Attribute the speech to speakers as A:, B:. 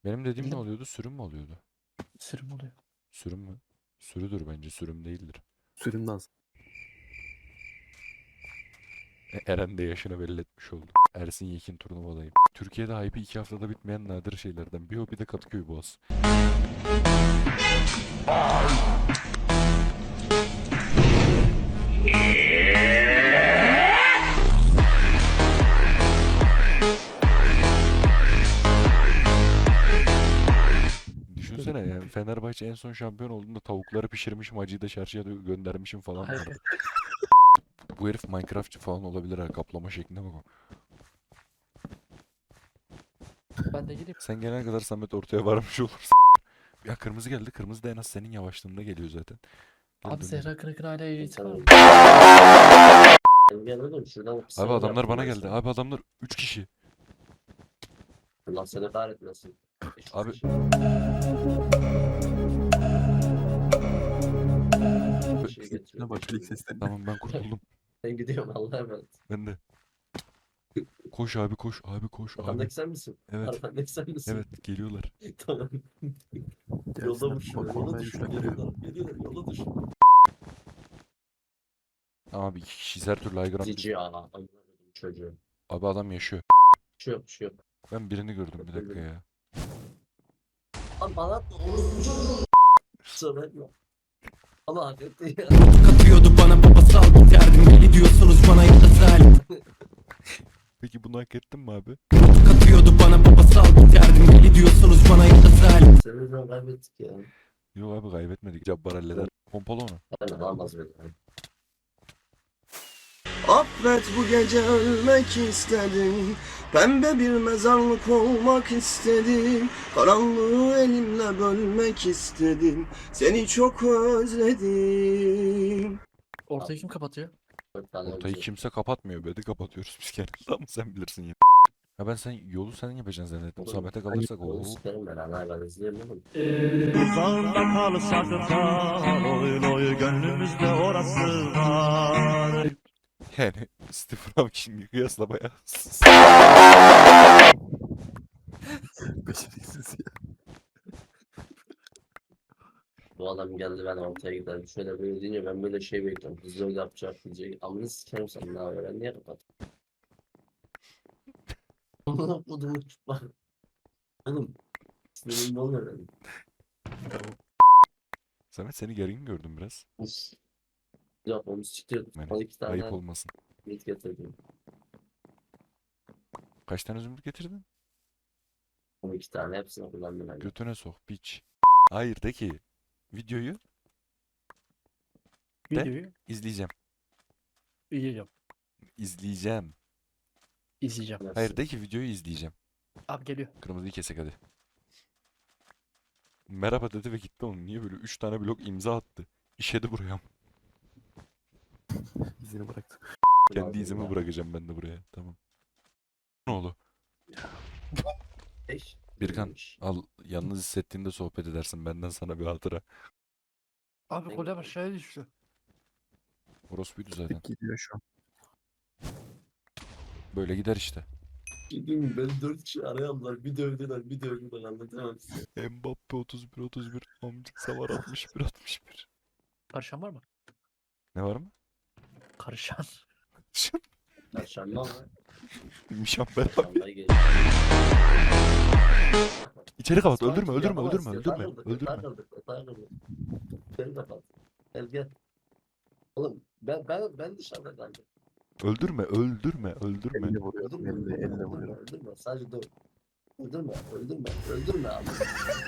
A: Benim dediğim ne
B: Bildim.
A: oluyordu? Sürüm mü oluyordu?
B: Sürüm oluyor.
A: Sürüm mü? Sürüdür bence, sürüm değildir.
C: Sürüm dans.
A: Eren de yaşını belli etmiş oldu. Ersin Yekin turnuvadayım. Türkiye'de hype'i 2 haftada bitmeyen nadir şeylerden. Bir o bir de Kadıköy Boğaz. Düşünsene yani Fenerbahçe en son şampiyon olduğunda tavukları pişirmişim, acıyı da çarşıya göndermişim falan
B: Hayır.
A: vardı. Bu herif Minecraftçı falan olabilir ha, kaplama şeklinde bak o.
B: Ben de geleyim.
A: Sen gelene kadar Samet ortaya varmış olursun. Ya kırmızı geldi. Kırmızı da en az senin yavaşlığında geliyor zaten. Gel
B: Abi
A: dönelim.
B: Zehra Kırık'ın hala ehliyeti var mı?
D: Gel oğlum şuradan
A: Abi
D: sinir
A: adamlar
D: yaptım
A: bana
D: ben
A: geldi.
D: sana.
A: Abi adamlar 3 kişi.
D: Allah seni kahretmesin.
A: Abi-
D: Bir şey
C: Ne
D: getiriyor.
C: bak ilk sesleri.
A: Tamam ben kurtuldum.
D: Ben gidiyorum Allah'a emanet.
A: Ben de. Koş abi koş. Abi koş abi.
D: Arkandaki sen misin?
A: Evet.
D: Arkandaki sen misin?
A: Evet geliyorlar.
D: Tamam.
C: Gelsin
D: Yola
C: abi,
D: düşüyor.
C: bak
D: Yola
C: olmaya
D: düşüyor.
C: güçlendiriyor.
D: Geliyorlar. Yola düşüyor.
A: Abi 2 kişiyiz, her türlü aygıram.
D: Cici ya. Anladım çocuğu.
A: Abi adam yaşıyor.
D: Bir şey yok. Bir şey yok.
A: Ben birini gördüm, bir dakika ya.
D: Lan bana atma. Kusura bakma. Ama hak etti ya.
E: Katıyordu bana babasal bir derdim. Gidiyorsunuz bana zalim.
A: Peki bunu hak ettin mi abi?
E: Katıyordu bana babasal bir derdim. Gidiyorsunuz bana zalim.
D: Seni yüzünden kaybettik ya.
A: Yok abi kaybetmedik. Cabbar halleder. Pompalı onu.
D: Ben alamaz beni.
F: Affet bu gece ölmek istedim. Pembe bir mezarlık olmak istedim. Karanlığı elimle bölmek istedim. Seni çok özledim.
B: Ortayı kim kapatıyor?
D: 4 tane
A: Ortayı
D: ölecek.
A: kimse kapatmıyor. Bedi kapatıyoruz biz genelde ama sen bilirsin yine. Ha ben sen yolu sen yapacaksın zannettim.
D: Olur.
A: Samet'e kalırsak
D: Oğlum
A: o.
D: sikerim ben ana ben izleyeyim oğlum.
G: Uzağında kalsak da loy loy gönlümüzde orası var.
A: Yani Stephen Hawking'i kıyasla bayağı.
C: Beceriksiz ya.
D: Bu adam geldi ben ortaya gidelim. Şöyle böyle deyince ben böyle şey bekliyorum. Hızlı yapacak diyecek. Amına sikerim sen ne haber? Ben niye kapat? Amına kodumu tutma. Oğlum. Sinirim oluyor benim.
A: Samet seni gergin gördüm biraz.
D: Uf. Yok onu siktir.
A: Yani
D: 12
A: ayıp
D: tane
A: olmasın.
D: mit getirdim.
A: Kaç tane zümrüt getirdin?
D: 12 tane hepsini kullandım ben.
A: Götüne sok piç. Hayır de ki videoyu De.
B: Videoyu
A: izleyeceğim.
B: izleyeceğim.
A: İzleyeceğim.
B: İzleyeceğim.
A: Hayır de ki videoyu izleyeceğim.
B: Abi geliyor.
A: Kırmızıyı kesek hadi. Merhaba dedi ve gitti oğlum. Niye böyle 3 tane blok imza attı? İşedi buraya.
C: İzini bıraktı.
A: Kendi izimi bırakacağım ben de buraya. Tamam. Ne oldu?
D: Eş.
A: Birkan
D: Neymiş?
A: al, yalnız hissettiğinde sohbet edersin. Benden sana bir hatıra.
B: Abi kolye aşağıya düştü.
A: Orospuydu zaten.
C: Tek gidiyor şu an.
A: Böyle gider işte.
D: Bugün beni 4 kişi araya aldılar. Bir dövdüler, bir dövdüler anlatamam size.
A: Mbappe 31 Amcık Savar 61.
B: Karışan var mı?
A: Ne var mı?
B: Karışan.
D: Perşembe ama.
A: Mişamber abi.
D: Perşembe geliyor.
A: İçeri kapat.
D: Sakin,
A: Öldürme.
D: yapamaz.
A: Öldürme.
D: Yatağa kırdık, yatağa kırdık, yatağa kırdık. Beni de kapat. Gel. Oğlum ben dışarıda kaldım.
A: Öldürme.
C: Elle vuruyor.
D: Öldürme.
C: Elle vuruyor.
D: Öldürme. Sadece döv. Öldürme abi.